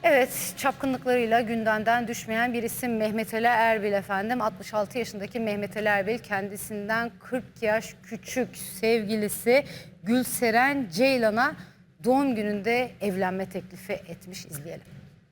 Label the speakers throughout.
Speaker 1: Evet, çapkınlıklarıyla gündemden düşmeyen bir isim Mehmet Ali Erbil efendim. 66 yaşındaki Mehmet Ali Erbil kendisinden 40 yaş küçük sevgilisi Gülseren Ceylan'a doğum gününde evlenme teklifi etmiş. İzleyelim.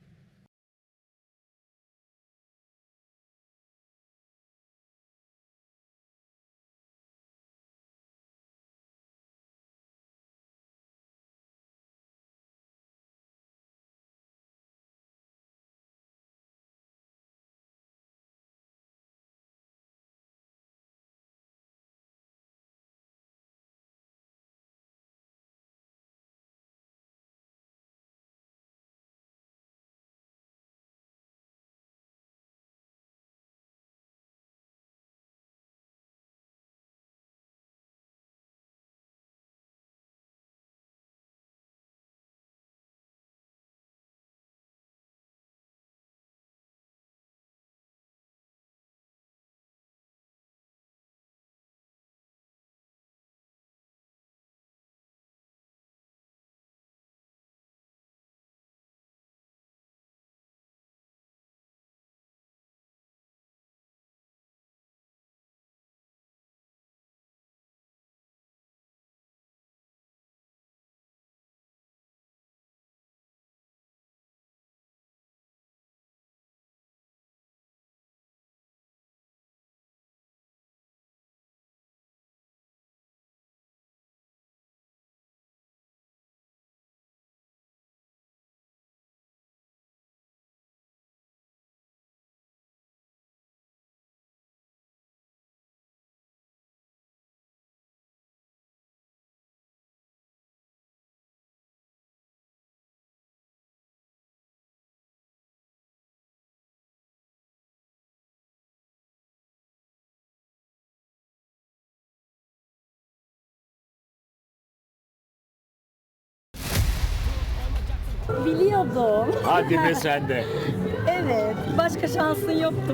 Speaker 2: Biliyordum.
Speaker 3: Hadi be sen de.
Speaker 2: Evet. Başka şansın yoktu.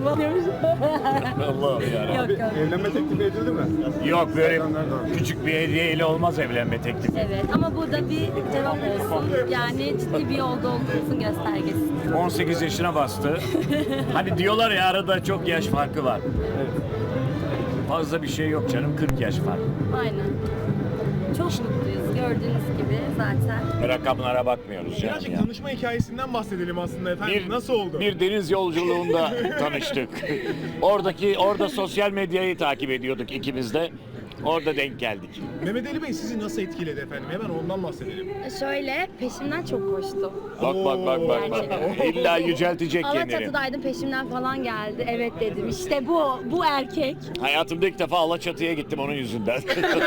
Speaker 3: Allah'ım yarabbim.
Speaker 2: Yok.
Speaker 4: Evlenme teklifi edildi mi?
Speaker 3: Yok böyle küçük bir hediyeyle olmaz evlenme teklifi.
Speaker 2: Evet ama bu da bir cevap olsun. Yani ciddi bir yolda olduğumuzun göstergesi.
Speaker 3: 18 yaşına bastı. Hani diyorlar ya arada çok yaş farkı var. Fazla bir şey yok canım, 40 yaş fark.
Speaker 2: Aynen. Çok mutluyuz gördüğünüz gibi zaten.
Speaker 3: Rakamlara bakmıyoruz yani.
Speaker 4: Birazcık
Speaker 3: Ya.
Speaker 4: tanışma hikayesinden bahsedelim aslında efendim. Nasıl oldu?
Speaker 3: Bir deniz yolculuğunda tanıştık. Orada sosyal medyayı takip ediyorduk ikimiz de. Orada denk geldik.
Speaker 4: Mehmet Ali Bey sizi nasıl etkiledi efendim? Hemen ondan bahsedelim.
Speaker 2: Şöyle peşimden çok koştu.
Speaker 3: Bak. İlla yüceltecek kendini.
Speaker 2: Alaçatı'daydım peşimden falan geldi. Evet dedim. İşte bu erkek.
Speaker 3: Hayatımda ilk defa Alaçatı'ya gittim onun yüzünden.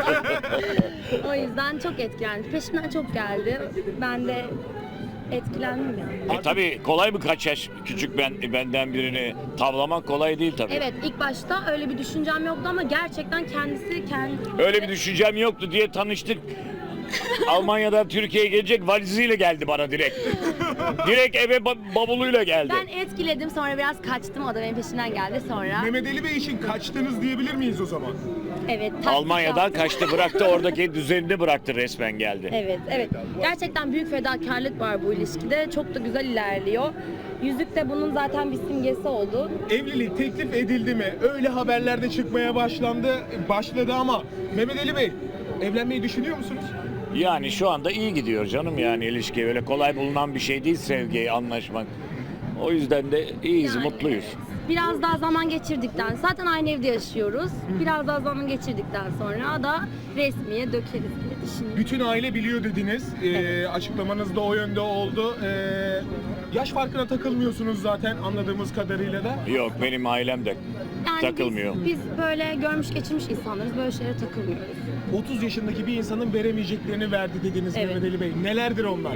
Speaker 2: O yüzden çok etkilendim. Peşimden çok geldi. Ben de etkilendim yani.
Speaker 3: Tabii kolay mı kaç yaş küçük benden birini tavlamak kolay değil tabii.
Speaker 2: Evet ilk başta öyle bir düşüncem yoktu ama gerçekten kendisi
Speaker 3: Öyle bir düşüncem yoktu diye tanıştık. Almanya'dan Türkiye'ye gelecek valiziyle geldi bana direkt. Direkt eve bavuluyla geldi.
Speaker 2: Ben etkiledim sonra biraz kaçtım o da benim peşimden geldi sonra.
Speaker 4: Mehmet Ali Bey için kaçtınız diyebilir miyiz o zaman?
Speaker 2: Evet. taktik
Speaker 3: Almanya'dan
Speaker 2: yaptım.
Speaker 3: kaçtı bıraktı oradaki düzenini bıraktı resmen geldi.
Speaker 2: Evet. Gerçekten büyük fedakarlık var bu ilişkide. Çok da güzel ilerliyor. Yüzük de bunun zaten bir simgesi oldu.
Speaker 4: Evlilik teklif edildi mi? Öyle haberlerde çıkmaya başladı ama Mehmet Ali Bey evlenmeyi düşünüyor musunuz?
Speaker 3: Yani şu anda iyi gidiyor canım yani ilişki öyle kolay bulunan bir şey değil sevgiyi anlaşmak. O yüzden de iyiyiz,
Speaker 2: Yani,
Speaker 3: mutluyuz.
Speaker 2: Biraz daha zaman geçirdikten, zaten aynı evde yaşıyoruz. Biraz daha zaman geçirdikten sonra da resmiye dökeriz diye düşünüyorum.
Speaker 4: Bütün aile biliyor dediniz. Açıklamanız da o yönde oldu. Yaş farkına takılmıyorsunuz zaten anladığımız kadarıyla da.
Speaker 3: Yok benim ailem de
Speaker 2: Yani
Speaker 3: takılmıyor.
Speaker 2: Biz böyle görmüş geçirmiş insanlarız, böyle şeylere takılmıyoruz.
Speaker 4: 30 yaşındaki bir insanın veremeyeceklerini verdi dediniz
Speaker 2: Evet.
Speaker 4: Mehmet Ali Bey. Nelerdir onlar?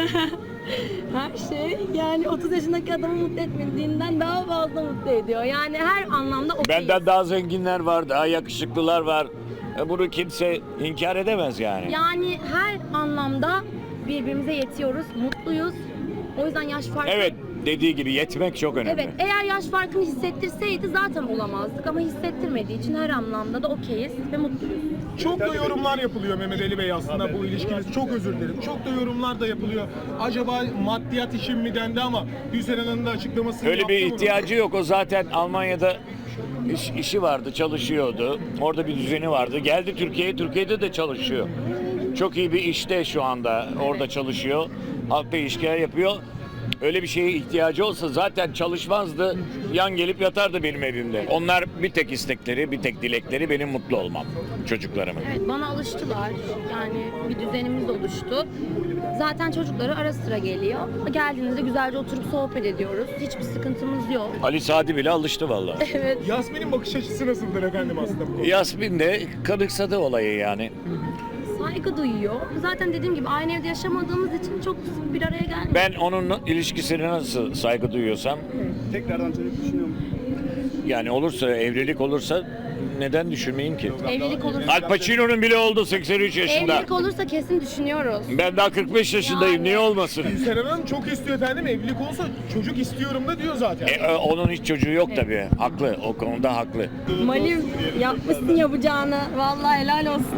Speaker 2: Her şey yani 30 yaşındaki adamı mutlu etmediğinden daha fazla mutlu ediyor. Yani her anlamda okey.
Speaker 3: Benden daha zenginler var, daha yakışıklılar var. Bunu kimse inkar edemez yani.
Speaker 2: Yani her anlamda birbirimize yetiyoruz, mutluyuz. O yüzden yaş farkı...
Speaker 3: Evet, dediği gibi yetmek çok önemli.
Speaker 2: Evet, eğer yaş farkını hissettirseydi zaten olamazdık ama hissettirmediği için her anlamda da okeyiz ve mutluyuz.
Speaker 4: Çok da yorumlar yapılıyor Mehmet Ali Bey aslında bu ilişkiniz. Çok özür dilerim. Çok da yorumlar da yapılıyor. Acaba maddiyat için mi dendi ama Gülseren Hanım'ın da açıklamasını
Speaker 3: Öyle bir
Speaker 4: yaptı mı?
Speaker 3: ihtiyacı yok. O zaten Almanya'da işi vardı, çalışıyordu. Orada bir düzeni vardı. Geldi Türkiye'ye, Türkiye'de de çalışıyor. Çok iyi bir işte şu anda. Orada çalışıyor. Halkla ilişkiler yapıyor. Öyle bir şeye ihtiyacı olsa zaten çalışmazdı. Yan gelip yatardı benim evimde. Onlar bir tek istekleri, bir tek dilekleri benim mutlu olmam. Çocuklarımın.
Speaker 2: Evet, bana alıştılar. Yani bir düzenimiz oluştu. Zaten çocukları ara sıra geliyor. Geldiğinde de güzelce oturup sohbet ediyoruz. Hiçbir sıkıntımız yok.
Speaker 3: Ali Sadi bile alıştı vallahi.
Speaker 2: Evet.
Speaker 4: Yasmin'in bakış açısı nasıldır efendim aslında bu konuda?
Speaker 3: Yasmin de kanıksadı olayı yani.
Speaker 2: Saygı duyuyor. Zaten dediğim gibi aynı evde yaşamadığımız için çok sık bir araya gelmiyoruz.
Speaker 3: Ben onun ilişkisine nasıl saygı duyuyorsam,
Speaker 5: Tekrardan çocuk düşünüyor musun?
Speaker 3: yani olursa, evlilik olursa neden düşünmeyeyim ki?
Speaker 2: Evlilik olursa,
Speaker 3: Al Pacino'nun bile oldu 83 yaşında.
Speaker 2: evlilik olursa kesin düşünüyoruz.
Speaker 3: Ben daha 45 yaşındayım.
Speaker 2: Yani.
Speaker 3: Niye olmasın?
Speaker 4: Gülseren Hanım çok istiyor efendim. Evlilik olsa çocuk istiyorum da diyor zaten.
Speaker 3: Onun hiç çocuğu yok tabii. Haklı. O konuda haklı.
Speaker 2: Malim yapmışsın yapacağını. Vallahi helal olsun.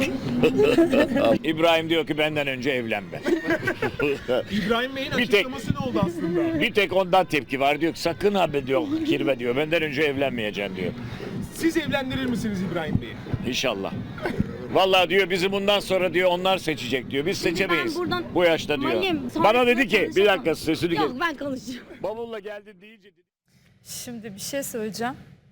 Speaker 3: İbrahim diyor ki benden önce evlenme.
Speaker 4: İbrahim Bey'in
Speaker 3: Bir tek-
Speaker 4: açıklaması ne oldu aslında?
Speaker 3: Bir tek ondan tepki var. Diyor ki sakın abi diyor kirve diyor. Benden önce evlenmeyeceksin diyor.
Speaker 4: Siz evlendirir misiniz İbrahim Bey'i?
Speaker 3: İnşallah. Vallahi diyor bizi bundan sonra diyor onlar seçecek diyor. Biz seçemeyiz.
Speaker 2: Ben buradan-
Speaker 3: Bu yaşta diyor.
Speaker 2: Malim, sonra
Speaker 3: Bana dedi ki bir
Speaker 2: konuşamam.
Speaker 3: dakika sesini kes.
Speaker 2: Yok ben konuşacağım.
Speaker 3: Bavulla geldi deyince
Speaker 6: Şimdi bir şey söyleyeceğim.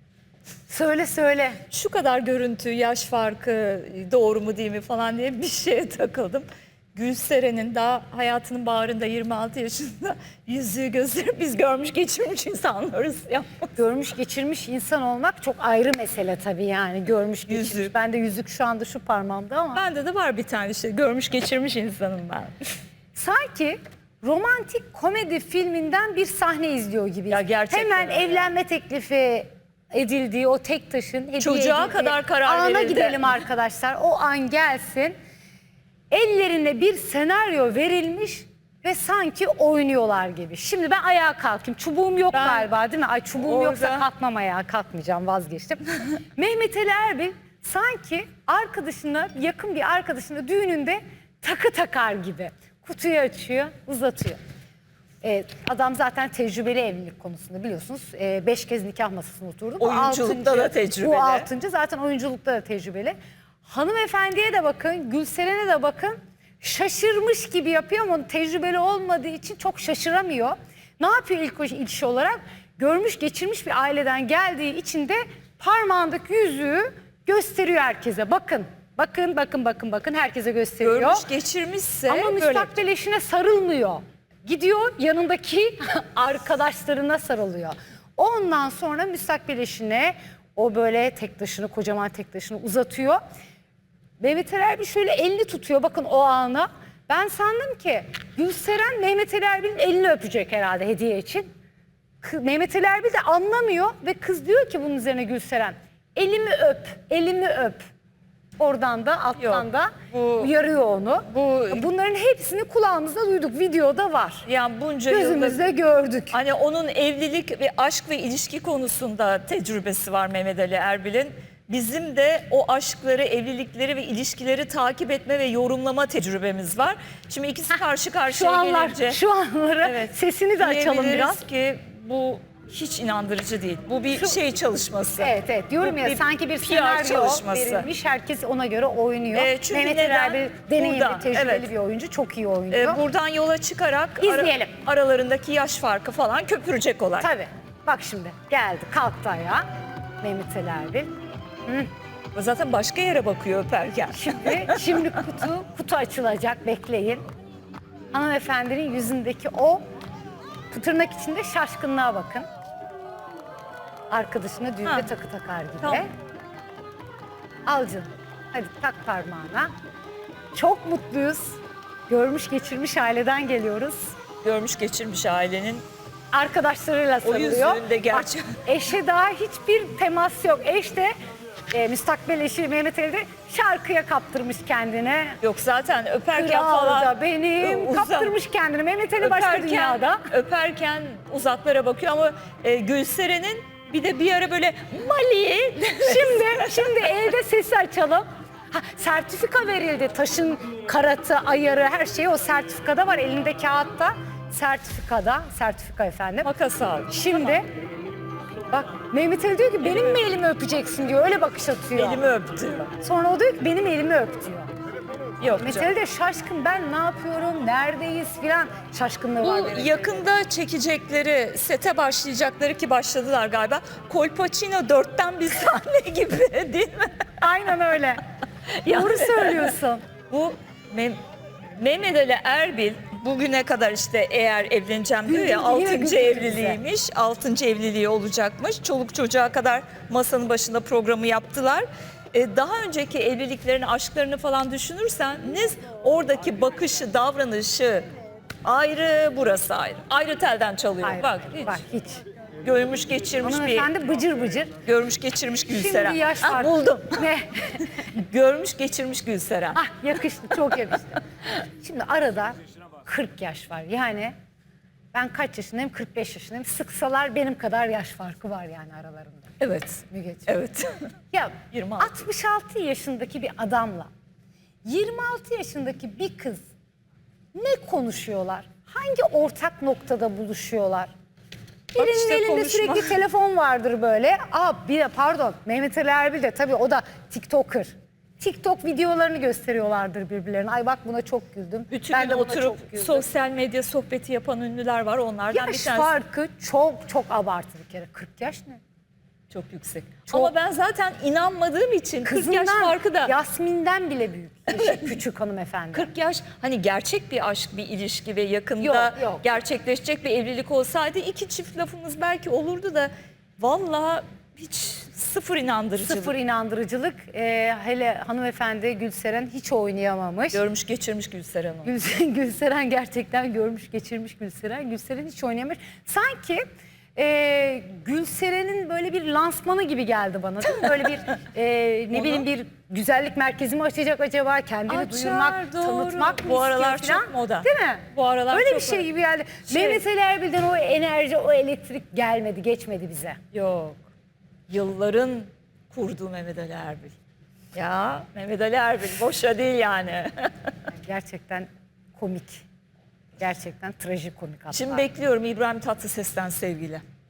Speaker 1: Söyle söyle.
Speaker 6: Şu kadar görüntü, yaş farkı doğru mu değil mi falan diye bir şeye takıldım. Gülseren'in daha hayatının bağrında 26 yaşında yüzüğü gösterip biz görmüş geçirmiş insanlarız ya.
Speaker 1: Görmüş geçirmiş insan olmak çok ayrı mesele tabii yani. Görmüş geçirmiş.
Speaker 6: Yüzük.
Speaker 1: Ben de yüzük şu anda şu parmağımda ama.
Speaker 6: Bende de var bir tane işte görmüş geçirmiş insanım ben.
Speaker 1: Sanki romantik komedi filminden bir sahne izliyor gibi.
Speaker 6: Ya gerçekten
Speaker 1: Hemen
Speaker 6: öyle.
Speaker 1: evlenme teklifi edildiği o tek taşın hediye
Speaker 6: Çocuğa
Speaker 1: edildiği
Speaker 6: kadar karar
Speaker 1: ana
Speaker 6: verildi.
Speaker 1: gidelim arkadaşlar. O an gelsin. Ellerine bir senaryo verilmiş ve sanki oynuyorlar gibi. Şimdi ben ayağa kalkayım. Çubuğum yok
Speaker 6: Ben
Speaker 1: galiba değil mi? Ay çubuğum yoksa
Speaker 6: orada-
Speaker 1: kalkmam ayağa. Kalkmayacağım, vazgeçtim. Mehmet Ali Erbil sanki arkadaşına, yakın bir arkadaşına düğününde takı takar gibi. Kutuyu açıyor, uzatıyor. Adam zaten tecrübeli evlilik konusunda biliyorsunuz. 5 kez nikah masasına oturdu. Bu
Speaker 6: Oyunculukta
Speaker 1: altıncı.
Speaker 6: da tecrübeli.
Speaker 1: Bu 6. zaten oyunculukta da tecrübeli. Hanımefendiye de bakın, Gülseren'e de bakın. Şaşırmış gibi yapıyor ama tecrübeli olmadığı için çok şaşıramıyor. Ne yapıyor ilk iş olarak? Görmüş geçirmiş bir aileden geldiği için de parmağındaki yüzüğü gösteriyor herkese. Bakın, bakın herkese gösteriyor.
Speaker 6: Görmüş geçirmişse
Speaker 1: Ama
Speaker 6: böyle.
Speaker 1: müstakbel eşine sarılmıyor. Gidiyor yanındaki arkadaşlarına sarılıyor. Ondan sonra müstakbel eşine o böyle tek taşını, kocaman tek taşını uzatıyor. Mehmet Ali Erbil şöyle elini tutuyor bakın o ana. Ben sandım ki Gülseren Mehmet Ali Erbil'in elini öpecek herhalde hediye için. Mehmet Ali Erbil de anlamıyor ve kız diyor ki bunun üzerine Gülseren elimi öp, elimi öp. Oradan da alttan
Speaker 6: Yok,
Speaker 1: da
Speaker 6: bu-
Speaker 1: uyarıyor onu. Bunların hepsini kulağımızda duyduk. Videoda var.
Speaker 6: Yani bunca yılda
Speaker 1: Gözümüzde gördük.
Speaker 6: hani onun evlilik ve aşk ve ilişki konusunda tecrübesi var Mehmet Ali Erbil'in. Bizim de o aşkları, evlilikleri ve ilişkileri takip etme ve yorumlama tecrübemiz var. Şimdi ikisi karşı
Speaker 1: Şu
Speaker 6: karşıya
Speaker 1: anlar,
Speaker 6: gelince
Speaker 1: şu anları
Speaker 6: Evet.
Speaker 1: sesini de açalım
Speaker 6: diyebiliriz
Speaker 1: biraz.
Speaker 6: ki bu hiç inandırıcı değil. Bu bir şey çalışması.
Speaker 1: Evet diyorum
Speaker 6: Bu
Speaker 1: ya
Speaker 6: bir
Speaker 1: sanki bir
Speaker 6: PR
Speaker 1: senaryo
Speaker 6: çalışması.
Speaker 1: verilmiş. Herkes ona göre oynuyor.
Speaker 6: Çünkü
Speaker 1: Mehmet Ali
Speaker 6: neden?
Speaker 1: Erbil deneyimli,
Speaker 6: Burada,
Speaker 1: tecrübeli
Speaker 6: evet.
Speaker 1: bir oyuncu. Çok iyi oynuyor.
Speaker 6: Buradan yola çıkarak
Speaker 1: İzleyelim.
Speaker 6: aralarındaki yaş farkı falan köpürecek olay.
Speaker 1: Tabii. Bak şimdi geldi kalktı ayağa Mehmet Ali Erbil.
Speaker 6: Zaten başka yere bakıyor öperken.
Speaker 1: Şimdi kutu açılacak bekleyin. Hanımefendinin yüzündeki o tırnak içinde şaşkınlığa bakın. Arkadaşına düğünde
Speaker 6: Ha.
Speaker 1: takı takar gibi.
Speaker 6: Tamam.
Speaker 1: Al canım. Hadi tak parmağına. Çok mutluyuz. Görmüş geçirmiş aileden geliyoruz.
Speaker 6: Görmüş geçirmiş ailenin.
Speaker 1: Arkadaşlarıyla sarılıyor.
Speaker 6: yüzüğün de gerçek-
Speaker 1: Bak, eşe daha hiçbir temas yok. Eş de müstakbel eşi Mehmet Ali de şarkıya kaptırmış kendini.
Speaker 6: Yok zaten öperken
Speaker 1: Kral
Speaker 6: falan.
Speaker 1: da benim
Speaker 6: uzak-
Speaker 1: kaptırmış kendini. Mehmet Ali başka dünyada.
Speaker 6: Öperken uzaklara bakıyor ama Gülseren'in bir ara böyle Mali.
Speaker 1: Şimdi elde sesi açalım. Ha, sertifika verildi. Taşın karatı, ayarı, her şey o sertifikada var. Elinde kağıtta. Sertifika efendim.
Speaker 6: Makas aldı.
Speaker 1: Şimdi bak Mehmet Ali diyor ki benim mi elimi öpeceksin diyor. Öyle bakış atıyor.
Speaker 6: Elimi öptü.
Speaker 1: Sonra o diyor ki benim elimi öp diyor.
Speaker 6: Yok
Speaker 1: Mehmet
Speaker 6: canım.
Speaker 1: Ali de şaşkın, ben ne yapıyorum, neredeyiz filan şaşkınlığı var.
Speaker 6: Bu
Speaker 1: Mehmet Ali'de.
Speaker 6: yakında çekecekleri, sete başlayacakları ki başladılar galiba. Kolpaçino 4'ten bir sahne gibi değil mi?
Speaker 1: Aynen öyle. Doğru söylüyorsun.
Speaker 6: Bu Mehmet Ali Erbil bugüne kadar işte eğer evleneceğim diyor ya
Speaker 1: Güldürdü, yine
Speaker 6: 6.
Speaker 1: güldürdü
Speaker 6: evliliğiymiş. 6. evliliği olacakmış. Çoluk çocuğa kadar masanın başında programı yaptılar. Daha önceki evliliklerini, aşklarını falan düşünürseniz oradaki bakışı, davranışı ayrı, burası ayrı. Ayrı telden çalıyor.
Speaker 1: Hayır,
Speaker 6: Bak hiç.
Speaker 1: hiç.
Speaker 6: Görmüş geçirmiş bir,
Speaker 1: Hanımefendi bıcır bıcır.
Speaker 6: görmüş geçirmiş Gülseren.
Speaker 1: Şimdi yaş
Speaker 6: Ah,
Speaker 1: farkı.
Speaker 6: buldum.
Speaker 1: Ne?
Speaker 6: Görmüş geçirmiş Gülseren.
Speaker 1: Ah yakıştı, çok yakıştı. Şimdi arada 40 yaş var. Yani ben kaç yaşındayım? 45 yaşındayım. Sıksalar benim kadar yaş farkı var yani aralarında.
Speaker 6: Evet.
Speaker 1: Mügeciğim.
Speaker 6: Evet.
Speaker 1: Ya
Speaker 6: 26.
Speaker 1: 66 yaşındaki bir adamla 26 yaşındaki bir kız ne konuşuyorlar? Hangi ortak noktada buluşuyorlar? Birinin
Speaker 6: işte
Speaker 1: elinde
Speaker 6: konuşma.
Speaker 1: sürekli telefon vardır böyle. Pardon, Mehmet Ali Erbil de tabii o da TikToker. TikTok videolarını gösteriyorlardır birbirlerine. Ay bak buna çok güldüm.
Speaker 6: Bütün
Speaker 1: Ben
Speaker 6: gün
Speaker 1: de buna
Speaker 6: oturup
Speaker 1: çok güldüm.
Speaker 6: sosyal medya sohbeti yapan ünlüler var. Onlardan bir
Speaker 1: Yaş
Speaker 6: tanesi
Speaker 1: farkı çok abartı bir kere. 40 yaş ne?
Speaker 6: çok yüksek.
Speaker 1: Çok.
Speaker 6: Ama ben zaten inanmadığım için 40 yaş farkı da
Speaker 1: Yasmin'den bile büyük. Küçük hanımefendi.
Speaker 6: 40 yaş hani gerçek bir aşk, bir ilişki ve yakında
Speaker 1: Yok.
Speaker 6: gerçekleşecek bir evlilik olsaydı iki çift lafımız belki olurdu da vallahi hiç sıfır inandırıcılık.
Speaker 1: Sıfır inandırıcılık. Hele hanımefendi Gülseren hiç oynayamamış.
Speaker 6: Görmüş geçirmiş Gülseren onu.
Speaker 1: Gülseren gerçekten görmüş geçirmiş Gülseren. Gülseren hiç oynayamamış. Sanki Gülseren'in böyle bir lansmanı gibi geldi bana değil mi? Böyle bir ne bileyim bir güzellik merkezi mi açacak acaba? Kendini
Speaker 6: Açar,
Speaker 1: duyurmak,
Speaker 6: doğru.
Speaker 1: tanıtmak mı
Speaker 6: Bu aralar
Speaker 1: istiyor
Speaker 6: çok
Speaker 1: falan?
Speaker 6: moda.
Speaker 1: Değil mi?
Speaker 6: Bu aralar
Speaker 1: Öyle
Speaker 6: çok
Speaker 1: bir şey
Speaker 6: moda.
Speaker 1: gibi geldi. Mehmet Ali Erbil'den o enerji, o elektrik gelmedi, geçmedi bize.
Speaker 6: Yok. Yılların kurduğu Mehmet Ali Erbil. Ya Mehmet Ali Erbil boşa değil yani.
Speaker 1: Gerçekten komik. Gerçekten trajikomik hatta.
Speaker 6: Şimdi bekliyorum İbrahim Tatlıses'ten sevgili.